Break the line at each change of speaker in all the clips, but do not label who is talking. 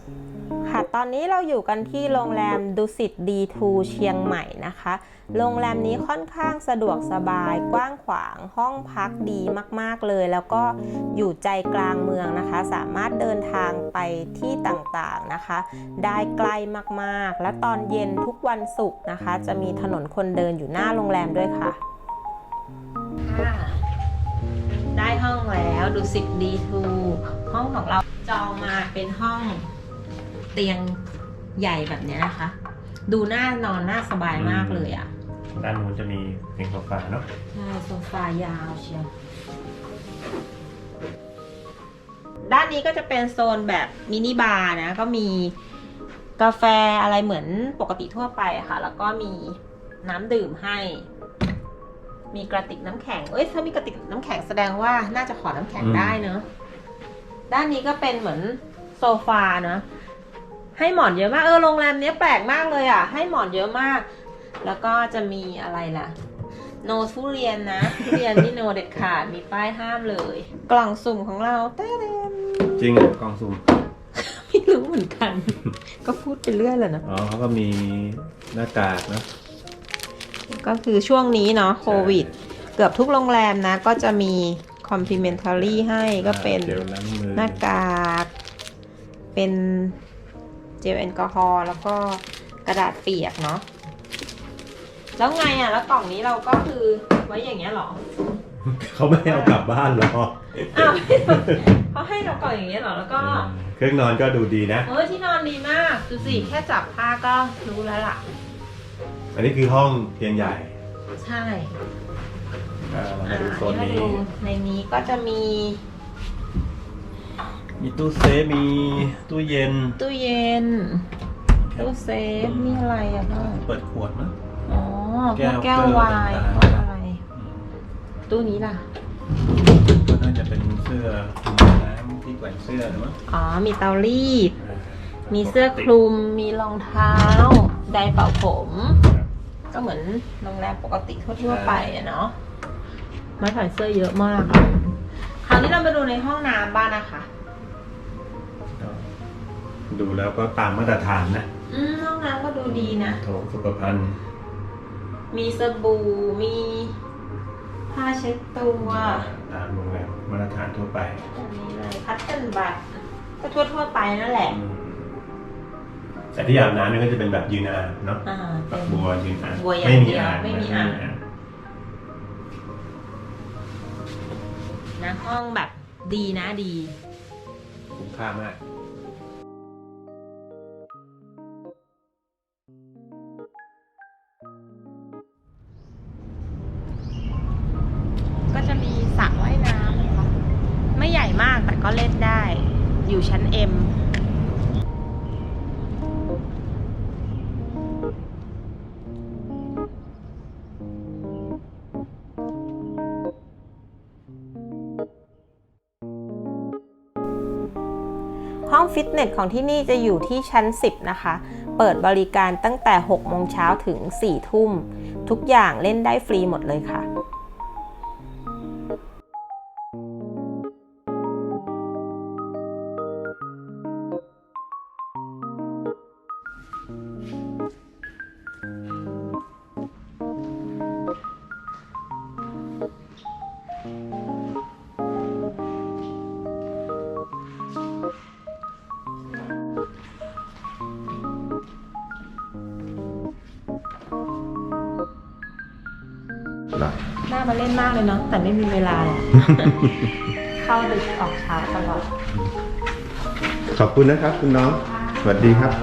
ค่ะตอนนี้เราอยู่กันที่โรงแรมดุสิตD2เชียงใหม่นะคะโรงแรมนี้ค่อนข้างสะดวกสบายกว้างขวางห้องพักดีมากๆเลยแล้วก็อยู่ใจกลางเมืองนะคะสามารถเดินทางไปที่ต่างๆนะคะได้ใกล้มากๆและตอนเย็นทุกวันศุกร์นะคะจะมีถนนคนเดินอยู่หน้าโรงแรมด้วยค่ะได้ห้องแล้วดุสิตD2ห้องของเราจองมาเป็นห้องเตียงใหญ่แบบนี้นะคะ ดูน่านอนน่าสบายมากเลยอ่ะ
ด้านนู้นจะมีเตียงโซฟาเนาะ
ใช่โซฟายาวเชียวด้านนี้ก็จะเป็นโซนแบบมินิบาร์นะก็มีกาแฟอะไรเหมือนปกติทั่วไปค่ะแล้วก็มีน้ำดื่มให้มีกระติกน้ำแข็งถ้ามีกระติกน้ำแข็งแสดงว่าน่าจะขอน้ำแข็งได้เนอะด้านนี้ก็เป็นเหมือนโซฟาเนอะให้หมอนเยอะมากโรงแรมนี้แปลกมากเลยอ่ะให้หมอนเยอะมากแล้วก็จะมีอะไรล่ะโนทุเรียนนะทุเรียนนี่โนเด็ดขาดมีป้ายห้ามเลยกล่องสุ่มของเราเต้ม
จริงเหรอกล่องสุ่ม
ไม่รู้เหมือนกัน ก็พูดไปเรื่อยเลยนะ
เขาก็มีหน้ากากนะ
ก็คือช่วงนี้เนาะโควิดเกือบทุกโรงแรมนะก็จะมีคอมพลีเมนทารี่ให้ก็เป็นหน้ากากเป็นเจลแอลกอฮอล์แล้วก็กระดาษเปียกเนาะแล้วไงอ่ะแล้วกล่องนี้เราก็คือไว้อย่างเงี้ยหรอ
เขาไม่ให้เอากลับบ้านหรอ
อ้าวเขาให้เรากล่องอย่างเงี้ยหรอแล้วก็
เครื่องนอนก็ดูดีนะ
ที่นอนดีมากดูสิแค่จับผ้าก็รู้แล้วล่ะ
อันนี้คือห้องเตียงใหญ่
ใช่
มาดูโซนนี้
ในนี้ก็จะมี
ตู้เซฟมีตู้เย็น
ตู้เซฟมีอะไรอ่ะ
เปิดขวดมั้ย
แก้ววายอะไรตู้นี้ล่ะ
ก็น่าจะเป็นเสื้อน้ำที่แขวนเสื้อหรือมั้ง
มีเตารีดมีเสื้อคลุมมีรองเท้าไดร์เป่าผมก็เหมือนโรงแรมปกติทั่วไปอะเนาะไม้แขวนเสื้อเยอะมากคราวนี้เรามาดูในห้องน้ำบ้างนะคะ
ดูแล้วก็ตามมาตรฐานนะ
ห้องน้ำก็ดูดีนะ
โถสุขภัณฑ์
มีสบู่มีผ้าเช็ดตัว
ตามโรงแรมมาตรฐานทั่วไป
อันนี้เลยคัตเติ้ลบัตก็ทั่วไปนั่นแหละ
แต่ที่อาบน้ำนี่ก็จะเป็นแบบยืนอ่างเนาะบัวยืนอ่างไม่มีอ่าง
นะห้องแบบดีนะดี
คุ้มค่ามาก
ก็จะมีสระว่ายน้ำนะคะไม่ใหญ่มากแต่ก็เล่นได้อยู่ชั้น M ห้องฟิตเนสของที่นี่จะอยู่ที่ชั้น 10 นะคะเปิดบริการตั้งแต่ 6 โมงเช้าถึง 4 ทุ่มทุกอย่างเล่นได้ฟรีหมดเลยค่ะน่ามาเล่นมากเลยเนาะแต่ไม่มีเวลาหรอก เข้าดึกออกเช้าตลอด
ขอบคุณนะครับคุณน้องสวัสดีครับ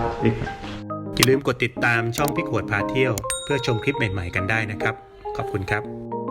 อย่าลืมกดติดตามช่องพี่ขวดพาเที่ยวเพื่อชมคลิปใหม่ๆกันได้นะครับขอบคุณครับ